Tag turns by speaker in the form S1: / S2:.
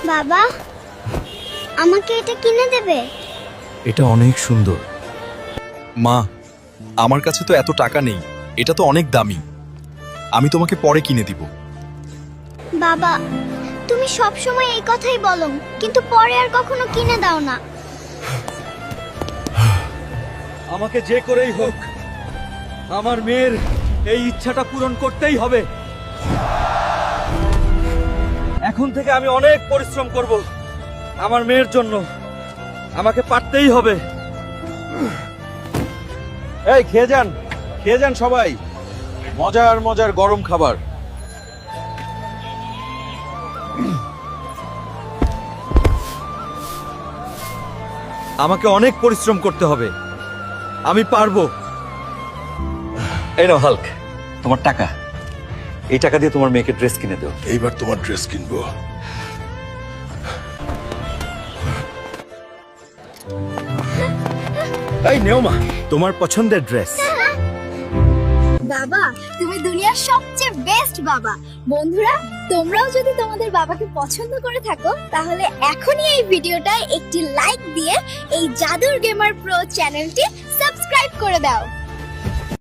S1: বাবা, আমাকে এটা কিনে দেবে?
S2: এটা অনেক সুন্দর।
S3: মা, আমার কাছে তো এত টাকা নেই, এটা তো অনেক দামি। আমি তোমাকে পরে কিনে দিব।
S1: বাবা, তুমি সব সময় এই কথাই বলো, কিন্তু পরে আর কখনো কিনে দাও না।
S2: আমাকে যে করেই হোক আমার মেয়ের এই ইচ্ছাটা পূরণ করতেই হবে। এখন থেকে আমি অনেক পরিশ্রম করব আমার মেয়ের জন্য। আমাকে পারতেই হবে।
S4: এই খেয়ে যান সবাই, মজার মজার গরম খাবার।
S2: আমাকে অনেক পরিশ্রম করতে হবে, আমি পারবো। এই নাও হাল্ক, তোমার টাকা। এই টাকা দিয়ে তোমার মেয়েকে ড্রেস কিনে দাও।
S5: এইবার তোমার ড্রেস কিনবো।
S2: এই নেওমা, তোমার পছন্দের ড্রেস।
S1: বাবা, তুমি দুনিয়ার সবচেয়ে বেস্ট বাবা। বন্ধুরা, তোমরাও যদি তোমাদের বাবাকে পছন্দ করে থাকো তাহলে এখনই এই ভিডিওটায় একটি লাইক দিয়ে এই জাদুর গেমার প্রো চ্যানেলটি সাবস্ক্রাইব করে দাও।